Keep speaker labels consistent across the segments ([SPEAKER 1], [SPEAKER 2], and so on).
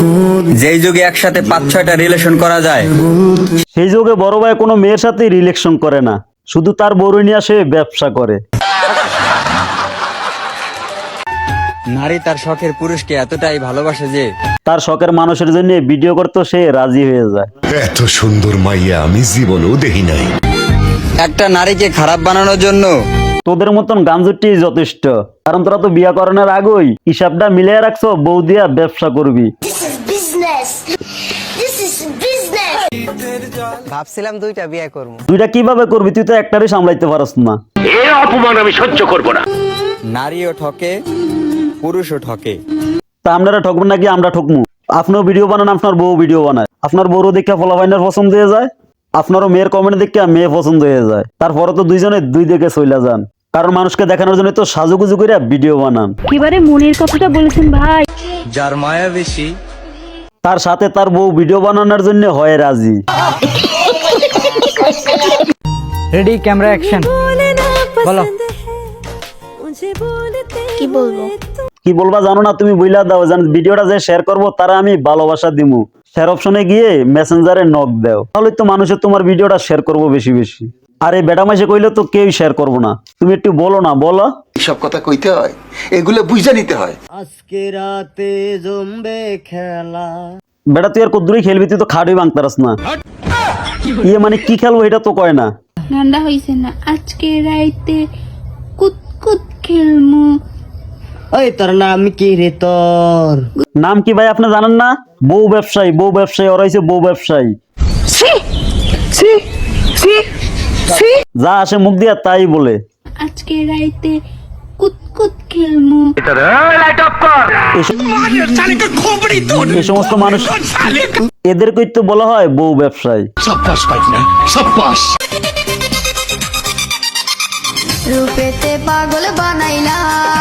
[SPEAKER 1] যেই যুগে একসাথে 5-6টা রিলেশন করা যায়,
[SPEAKER 2] সেই যুগে বড় ভাই কোনো মেয়ের সাথে রিলেশন করে না, শুধু তার বড় নিয়ে সে ব্যবসা করে।
[SPEAKER 1] নারী তার শখের পুরুষকে এতটাই ভালোবাসে যে
[SPEAKER 2] তার শখের মানুষের জন্য ভিডিও করতে সে রাজি হয়ে যায়।
[SPEAKER 3] এত সুন্দর মাইয়া আমি জীবনেও দেখি নাই।
[SPEAKER 1] একটা নারীকে খারাপ বানানোর জন্য
[SPEAKER 2] তোদের মতন গাঞ্জুটি যথেষ্ট, কারণ তোরা তো বিয়া করানোর আগেই হিসাবটা মিলিয়ে রাখছো, বউ দিয়া ব্যবসা করবি।
[SPEAKER 4] ভাবছিলাম 2টা বিয়ে করবো।
[SPEAKER 2] দুইটা কিভাবে করবি? তুই তো একটারই সামলাইতে পারস না।
[SPEAKER 1] নারীও ঠকে, পুরুষও ঠকে।
[SPEAKER 2] তা আপনারা ঠকবেন নাকি আমরা ঠকমু? আপনারও ভিডিও বানান, আপনার বউ ভিডিও বানায়, আপনার বউরও দেখা ফলাফাইনার পছন্দ হয়ে যায়, আপনারও মেয়ের কমেন্ট দেখে মেয়ে পছন্দ হয়ে যায়, তারপরে তো দুইজনে দুই দিকে চইলা যান, কারণ মানুষকে দেখানোর জন্য তো সাজুগুজু করে ভিডিও বানান।
[SPEAKER 5] এবারে মনের কথাটা বলেছেন ভাই।
[SPEAKER 1] যার মায়া বেশি
[SPEAKER 2] তার সাথে তার বউ ভিডিও বানানোর জন্য হয় রাজি।
[SPEAKER 4] Ready, camera, action. বলো।
[SPEAKER 5] কি বলবো?
[SPEAKER 2] কি বলবা জানো না? তুমি বইলা দাও, জান ভিডিওটা যে শেয়ার করবো তারা আমি ভালোবাসা দিমু। শেয়ার অপশনে গিয়ে মেসেঞ্জারে নক দাও, তাহলে তো মানুষের তোমার ভিডিওটা শেয়ার করবো বেশি বেশি। আর এই বেটা মাসে কইলে তো কেউ শেয়ার করবো না। তুমি একটু বলো না, বলো।
[SPEAKER 6] সব কথা কইতে হয়, এগুলো বুঝে নিতে হয়।
[SPEAKER 4] আজকে রাতে জমবে খেলা।
[SPEAKER 2] বেটা তুই আর কদ্দুরই খেলবি? তুই তো খাড়ি ভাঙতারস না। ইয়ে মানে কি খেলবো এটা তো কয় না।
[SPEAKER 5] ঠান্ডা হইছে না, আজকে রাইতে কুতকুত খেলমু।
[SPEAKER 4] ওই তোর নাম কি রে? তোর
[SPEAKER 2] নাম কি ভাই আপনি জানেন না? বউ ব্যবসায়ী, বউ ব্যবসায়ী, ওরা হইছে বউ ব্যবসায়ী। যা আসে মুখ দিয়া তাই বলে।
[SPEAKER 5] আজকে রাইতে কুতকুত খেলমু।
[SPEAKER 2] এই সমস্ত মানুষ, এদেরকেই তো বলা হয় বউ ব্যবসায়ী।
[SPEAKER 7] রূপেতে পাগল বানাইলা।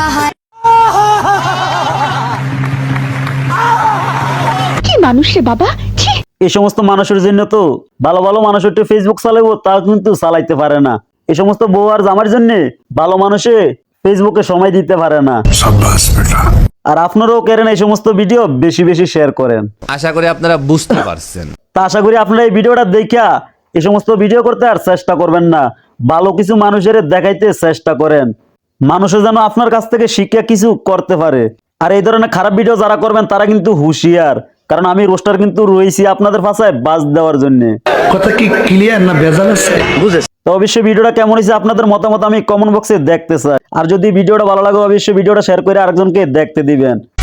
[SPEAKER 5] কি মানুষ রে বাবা, ছি।
[SPEAKER 2] এই সমস্ত মানুষের জন্য তো ভালো ভালো মানুষ একটু ফেসবুক চালাবো, তা কিন্তু চালাইতে পারে না। এই সমস্ত বউ আর জামার জন্য ভালো মানুষে ফেসবুকে সময় দিতে পারে না। আর আপনারাও করেন এই সমস্ত ভিডিও বেশি বেশি শেয়ার করেন।
[SPEAKER 8] আশা করি আপনারা বুঝতে পারছেন।
[SPEAKER 2] তা আশা করি আপনারা এই ভিডিওটা দেখা এই সমস্ত ভিডিও করতে আর চেষ্টা করবেন না। ভালো কিছু মানুষের দেখাইতে চেষ্টা করেন, মানুষের যেন আপনার কাছ থেকে শিক্ষা কিছু করতে পারে। আর এই ধরনের খারাপ ভিডিও যারা করবেন তারা কিন্তু হুঁশিয়ার, কারণ আমি রোস্টার কিন্তু রয়েছি আপনাদের ভাষায় বাজ দেওয়ার জন্য।
[SPEAKER 6] কথা কি ক্লিয়ার না ভেজাল আছে?
[SPEAKER 2] তো অবশ্যই ভিডিওটা কেমন হয়েছে আপনাদের মতামত আমি কমেন্ট বক্সে দেখতে চাই। আর যদি ভিডিওটা ভালো লাগে অবশ্যই ভিডিওটা শেয়ার করে আরেকজনকে দেখতে দিবেন।